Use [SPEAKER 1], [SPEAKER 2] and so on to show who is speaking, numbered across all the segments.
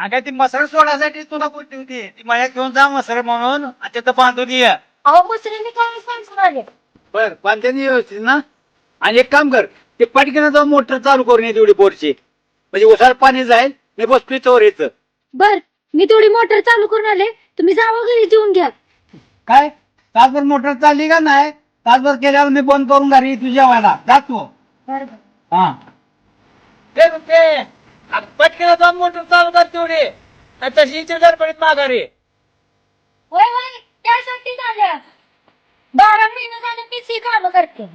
[SPEAKER 1] अगं ती मसर सोडायसाठी तुला बोलली होती ती माझ्या घेऊन जा मसर म्हणून तिथं बांधून ये.
[SPEAKER 2] अहो मुसरीने काय सांगून आले.
[SPEAKER 1] बर बांधते व्यवस्थित ना. आणि एक काम कर ते पटकन जाऊन मोटर चालू करून ये तेवढी बोरची म्हणजे उसार पाणी जाईल. मी बसतोय तोवर येतं.
[SPEAKER 2] बर मी तेवढी मोटर चालू करून आले, तुम्ही जावा घरी जेवून घ्या.
[SPEAKER 1] काय तासभर मोटर चालली का नाही? तासभर केल्यावर मी बंद करून घरी तू जेवायला जातो. हा ते पटकन जाऊन मोटर चालू कर तेवढी तशी गडबडीत माघारी.
[SPEAKER 2] होय होय त्यासाठी झाल्या 12 महिने झाले मीच ही काम करते.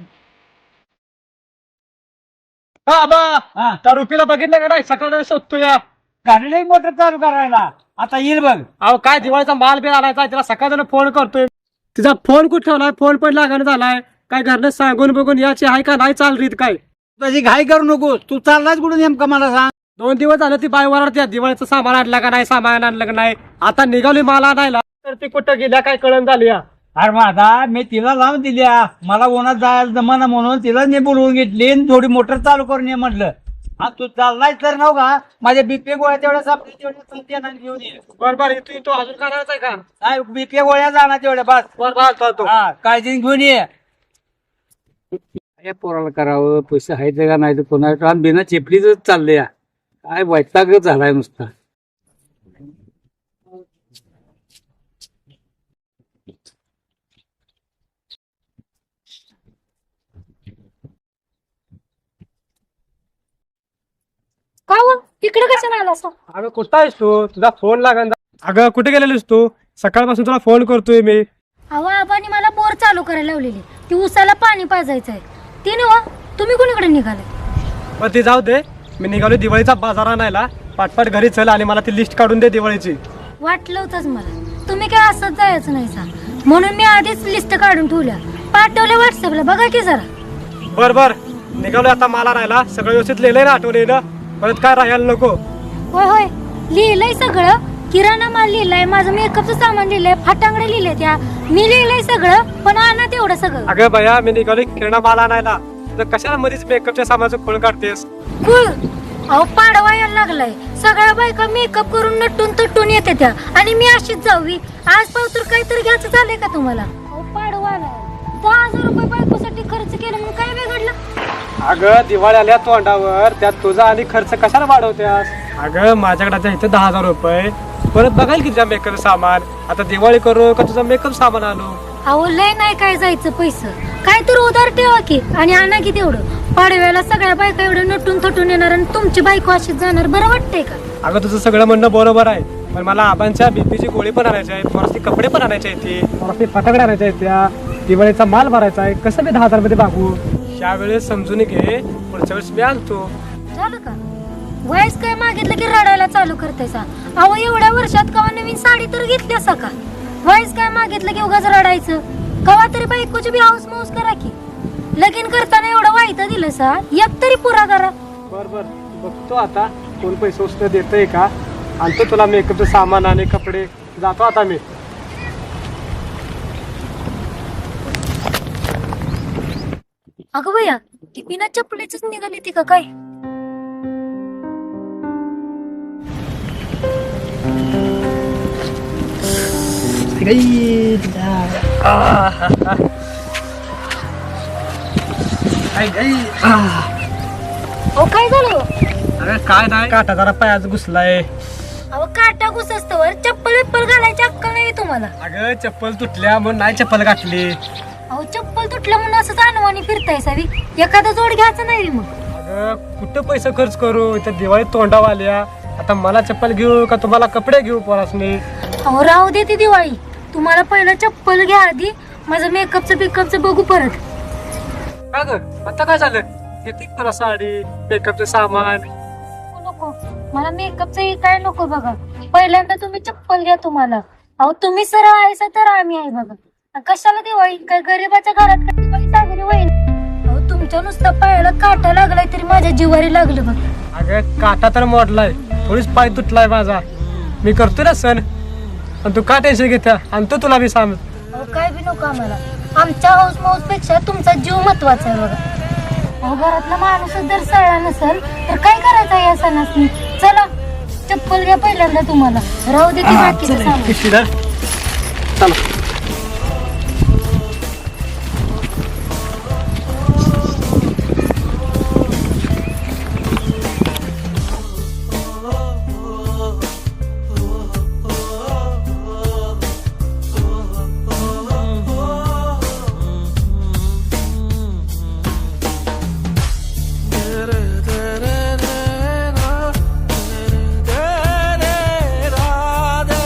[SPEAKER 3] त्या रुपीला बघितलं का नाही सकाळ शोधतो या
[SPEAKER 1] गाडीला मोटर चालू करायला आता येईल बघ.
[SPEAKER 3] अहो काय दिवाळीचा माल बिल आणायचा तिला सकाळ फोन करतोय. तिचा फोन कुठे ठेवलाय? फोन पण लागण झालाय. काय घरनं सांगून बघून याची आहे का नाही चाल रीत काय?
[SPEAKER 1] तुझी घाई करू नकोस. तू चाललाच कुठून नेमका मला सांग.
[SPEAKER 3] 2 दिवस झाले ती बाई वरडते दिवाळीचं सामान आणलं का नाही, सामान आणलं का नाही. आता निघाली माल आणायला तर ती कुठं गेल्या काय कळण झाली या.
[SPEAKER 1] अरे माझा मी तिला लावून दिल्या. मला उन्हात जायला जमाना म्हणून तिला मी बोलवून घेतली आणि थोडी मोटर चालू करून ये म्हटलं. हा तू चाललाय तर नव का माझ्या बीपी गोळ्या तेवढ्या सापडे तेवढ्या चालते आणि घेऊन ये.
[SPEAKER 3] बरोबर तू अजून करायचा का?
[SPEAKER 1] काय बीपी गोळ्या जाणार तेवढ्या बस.
[SPEAKER 3] बरोबर चालतो.
[SPEAKER 1] हा काळजी घेऊन ये. काय पोराला करावं पैसे आहेत का नाही तर कोणा बिना चेपलीच चाललंय. काय वैतागच झालाय नुसता.
[SPEAKER 2] का हो इकडे कशाला आला असं?
[SPEAKER 3] अगं कुठं आहेस तू? तुझा फोन लागन. अगं कुठे गेलेलीस तू? सकाळपासून तुला फोन करतोय मी.
[SPEAKER 2] अहो आबानी मला बोर चालू करायला लावलेली, ती उसाला पाणी पाजायचंय. ती नव तुम्ही कोणीकडे निघाले?
[SPEAKER 3] पण ती जाऊ दे. मी निघालो दिवाळीचा बाजार आणायला. पाटपाट घरी चल आणि मला ती लिस्ट काढून दे दिवाळीची.
[SPEAKER 2] वाटलं होतंच मला तुम्ही काय असंच जायचं नाही सा, म्हणून मी आधीच लिस्ट काढून ठेवल्या पाठवल्या व्हॉट्सअपला. बघा की जरा.
[SPEAKER 3] बर बर निघालो आता मला राहायला. सगळं व्यवस्थित लिहिलंय ना आठवणीनं? परत काय राहायला नको.
[SPEAKER 2] होय होय लिहिलंय सगळं. किराणा माल लिहिलाय, माझं मेकअपचं सामान लिहिलंय, फाटांगडे लिहिले त्या मी लिहिलंय सगळं. पण आणा तेवढं सगळं.
[SPEAKER 3] अगं बया मी निघालो किराणा माल आणायला. तर कशाला मध्येच मेकअपच्या सामानाचं खोळ काढतेस?
[SPEAKER 2] कुळ अहो पाडवा यायला लागलाय. सगळ्या बायका मेकअप करून नटून तटून येते त्या आणि मी अशीच जावी. आज पावतर काहीतरी घ्यायचं झालंय का तुम्हाला? अहो पाडवा आलाय. 10,000 रुपये बायकोसाठी खर्च केलं म्हणून काय बिघडलं?
[SPEAKER 3] अगं दिवाळी आल्या तोंडावर, त्यात तुझा आणि खर्च कशाला वाढवत्यास? अगं माझ्याकडे आता इथे 10,000 रुपये. परत बघाल की तुझ्या मेकअप सामान. आता दिवाळी करू का तुझा मेकअप सामान आणू?
[SPEAKER 2] अहो लय नाही काय जायचं पैसे. काय तर उधार ठेवा की आणि आणा की तेवढं. पाडव्याला सगळ्या बायका एवढं नटून थटून येणार आणि तुमची बायको अशीच जाणार. बरं वाटतंय का?
[SPEAKER 3] अगं तुझं सगळं म्हणणं बरोबर आहे. पण मला आबांच्या बीपीची गोळी पण आणायची आहे. थोडासे कपडे पण आणायचे आहेत. थोडासे फटाकडे आणायचे आहेत. त्या दिवाळीचा माल भरायचा आहे. कसं मी 10,000 मध्ये भागू? त्यावेळेस समजून घे. पुढच्या वेळेस मी आणतो.
[SPEAKER 2] झालं का? वयस काय मागितलं की रडायला चालू करतायसा? अहो एवढ्या वर्षात कवा नवीन साडी तर घेतली असा का? वयस काय मागितलं की उगाच रडायचं? कवा तरी बायकोची बी हाऊस माऊस करा की. लगीन करताना एवढं वाईट दिलं सा, एक तरी पुरा करा.
[SPEAKER 3] बर बर बघतो आता कोण पैसे उचल देतंय का. आणतो तुला मेकअपचं सामान आणि कपडे. जातो आता मी.
[SPEAKER 2] अगं भैया ती बिना चपलीच निघाली ती का काय? अहो काय झालं?
[SPEAKER 3] अरे काय नाही काटा जरा पायाच घुसलाय.
[SPEAKER 2] अहो काटा घुसस्तवर चप्पल विप्पल घालायची अक्कल नाही तुम्हाला?
[SPEAKER 3] अगं चप्पल तुटल्या म्हणून नाही चप्पल घातली.
[SPEAKER 2] अहो चप्पल तुटलं म्हणून असं अनवाणी फिरताय सावी. एखादा जोड घ्यायचं नाही मग.
[SPEAKER 3] अगं कुठं पैसे खर्च करू? इथं दिवाळी तोंडावर आल्या. आता मला चप्पल घेऊ का तुम्हाला कपडे घेऊ पोरासनी?
[SPEAKER 2] अहो राहू दे ती दिवाळी. तुम्हाला पहिलं चप्पल घ्या आधी. माझं मेकअपचं बिकअपचं बघू परत.
[SPEAKER 3] का ग आता काय झालं? किती तुला साडी मेकअपचं सामान?
[SPEAKER 2] नको मला मेकअपचं काय नको बघा. पहिल्यांदा तुम्ही चप्पल घ्या तुम्हाला. अहो तुम्ही सरळ आहेसा तर आम्ही आहे बघा. कशाला दिवाळी? काय गरीबाच्या घरात काय दिवाळी साजरी होईल? अहो तुमच्या नुसतं पायाला काटा लागलाय तरी माझ्या जिवारी लागलं बघ.
[SPEAKER 3] अगं काटा तर मोडलाय. थोडीच पाय तुटलाय माझा. मी करतोय ना सण. पण तू का टेन्शन घेत्या? आणतो तुला मी सांग.
[SPEAKER 2] अहो काय बी नको आम्हाला. आमच्या हाऊस माऊस पेक्षा तुमचा जीव महत्वाचा आहे बघा. अहो घरातला माणूसच जर सळला नसेल तर काय करायचं या सणासनी? चला चप्पल घ्या पहिल्यांदा तुम्हाला राहू दे की बाकीचं सामान
[SPEAKER 3] चला